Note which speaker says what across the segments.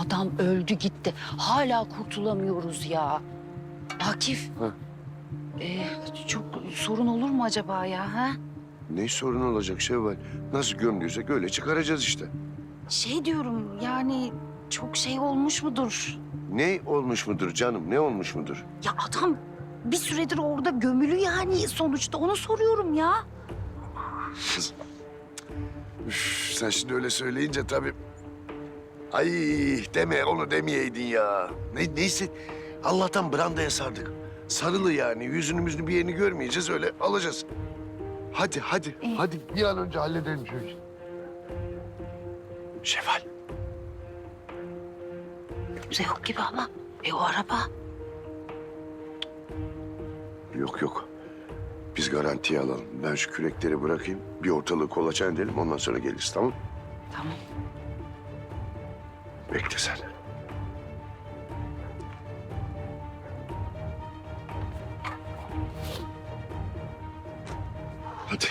Speaker 1: adam öldü gitti. Hala kurtulamıyoruz ya. Akif.
Speaker 2: Ha.
Speaker 1: Çok sorun olur mu acaba ya? Ha?
Speaker 2: Ne sorun olacak Şevval? Nasıl gömdüysek öyle çıkaracağız işte.
Speaker 1: Şey diyorum yani çok şey olmuş mudur?
Speaker 2: Ne olmuş mudur canım? Ne olmuş mudur?
Speaker 1: Ya adam bir süredir orada gömülü yani sonuçta onu soruyorum ya.
Speaker 2: Üf, sen şimdi öyle söyleyince tabii... Ay deme onu demeyeydin ya. Neyse Allah'tan brandaya sardık. Sarılı yani yüzünü bir yerini görmeyeceğiz öyle alacağız. Hadi. Hadi bir an önce halledelim şu işi. Şevval.
Speaker 1: Kimse yok gibi ama. O araba.
Speaker 2: Yok. Biz garantiye alalım. Ben şu kürekleri bırakayım. Bir ortalığı kolaçan edelim ondan sonra geliriz tamam?
Speaker 1: Tamam.
Speaker 2: Bekle sen. Hadi.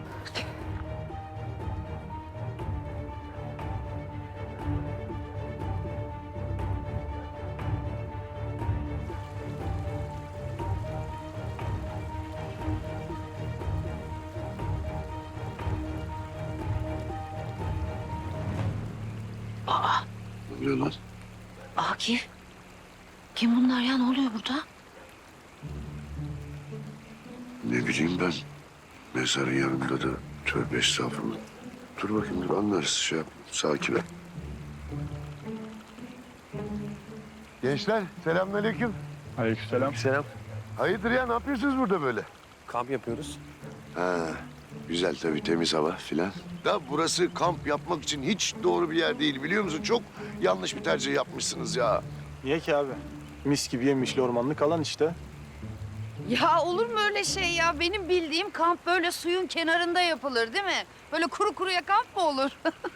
Speaker 1: Aa,
Speaker 2: Ne oluyor lan?
Speaker 1: Akif. Kim bunlar ya? Ne oluyor burada?
Speaker 2: Ne bileyim ben. Mezarın yanında da tövbe estağfurullah. Dur bakayım dur anlarız şey yap. Sakin ol. Gençler selamünaleyküm.
Speaker 3: Aleykümselam.
Speaker 4: Selam.
Speaker 2: Hayırdır ya ne yapıyorsunuz burada böyle?
Speaker 4: Kamp yapıyoruz.
Speaker 2: Ha, güzel tabii temiz hava filan. Da burası kamp yapmak için hiç doğru bir yer değil biliyor musun? Çok yanlış bir tercih yapmışsınız ya.
Speaker 3: Niye ki abi? Mis gibi yemişli ormanlık alan işte.
Speaker 5: Ya olur mu öyle şey ya? Benim bildiğim kamp böyle suyun kenarında yapılır değil mi? Böyle kuru kuruya kamp mı olur?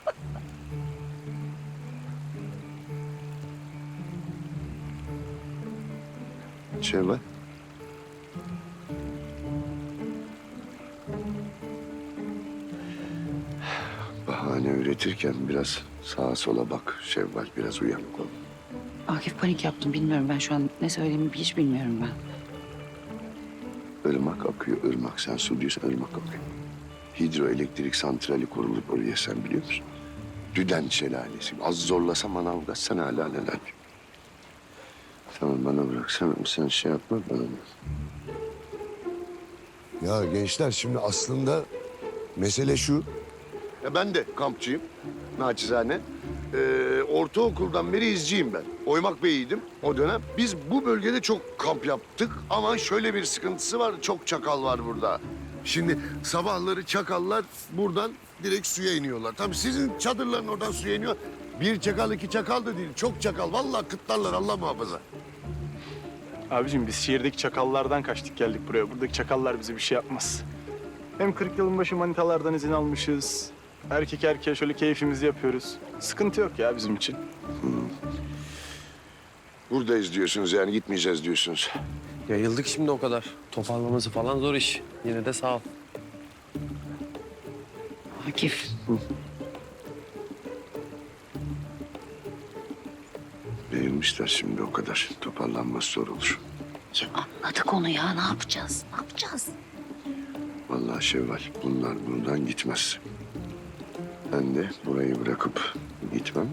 Speaker 2: Şevval. Bahane üretirken biraz sağa sola bak Şevval. Biraz uyanık ol.
Speaker 1: Akif panik yaptım bilmiyorum ben şu an ne söylediğimi hiç bilmiyorum ben.
Speaker 2: Irmak akıyor, ırmak. Sen su diyorsan ırmak akıyor. Hidroelektrik santrali kuruldu oraya sen biliyor musun? Düden şelalesi. Az zorlasam Manavgat sen hala neler. Tamam bana bıraksana sen şey yapma bana. Ya gençler şimdi aslında mesele şu. Ya ben de kampçıyım naçizane. Ortaokuldan beri izciyim ben. Oymak Bey'iydim o dönem. Biz bu bölgede çok kamp yaptık ama şöyle bir sıkıntısı var. Çok çakal var burada. Şimdi sabahları çakallar buradan direkt suya iniyorlar. Tabii sizin çadırların oradan suya iniyor. Bir çakal, iki çakal da değil. Çok çakal. Vallahi kıtlarlar Allah muhafaza.
Speaker 3: Abicim biz şehirdeki çakallardan kaçtık geldik buraya. Buradaki çakallar bize bir şey yapmaz. Hem 40 yılın başı manitalardan izin almışız. Erkek erkeğe şöyle keyfimizi yapıyoruz. Sıkıntı yok ya bizim için.
Speaker 2: Buradayız diyorsunuz yani gitmeyeceğiz diyorsunuz.
Speaker 4: Yayıldık şimdi o kadar. Toparlaması falan zor iş. Yine de sağ ol.
Speaker 1: Akif.
Speaker 2: Beğenmişler şimdi o kadar. Toparlanması zor olur.
Speaker 1: Ya anladık onu ya ne yapacağız? Ne yapacağız?
Speaker 2: Vallahi Şevval bunlar buradan gitmez. Ben de burayı bırakıp gitmem.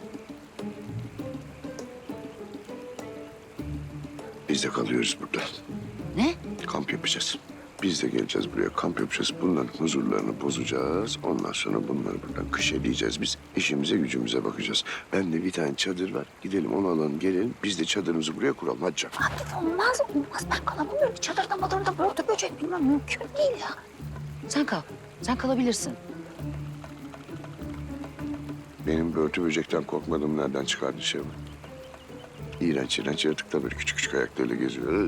Speaker 2: Biz de kalıyoruz burada.
Speaker 1: Ne?
Speaker 2: Kamp yapacağız. Biz de geleceğiz buraya kamp yapacağız. Bunların huzurlarını bozacağız. Ondan sonra bunları buradan kış edeceğiz. Biz işimize gücümüze bakacağız. Ben de bir tane çadır var. Gidelim onu alalım gelelim. Biz de çadırımızı buraya kuralım. Hadi canım.
Speaker 1: Akif olmaz. Ben kalamıyorum. Çadırda madırda börtü böcek bilmem mümkün değil ya. Sen kal. Sen kalabilirsin.
Speaker 2: Benim börtü böcekten korkmadığımı nereden çıkardın Şevval? İğrenç yaratıklar böyle küçük küçük ayaklarıyla geziyor.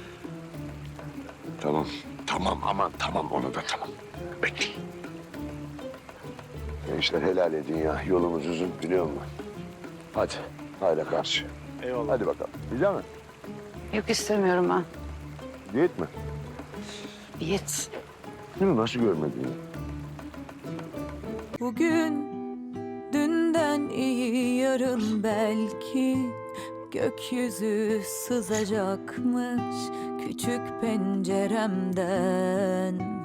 Speaker 2: Tamam aman tamam onu da tamam. Bekle. Gençler helal edin ya. Yolumuz uzun biliyor musun? Hadi. Hayla karşı.
Speaker 3: Eyvallah.
Speaker 2: Hadi bakalım. Güzel mi?
Speaker 1: Yok istemiyorum ben.
Speaker 2: Diyet mi?
Speaker 1: Diyet.
Speaker 2: Değil mi? Nasıl görmedin ya?
Speaker 6: Bugün dünden iyi yarın yarın belki gökyüzü sızacakmış küçük penceremden.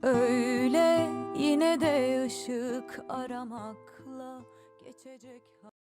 Speaker 6: Öyle yine de ışık aramakla geçecek.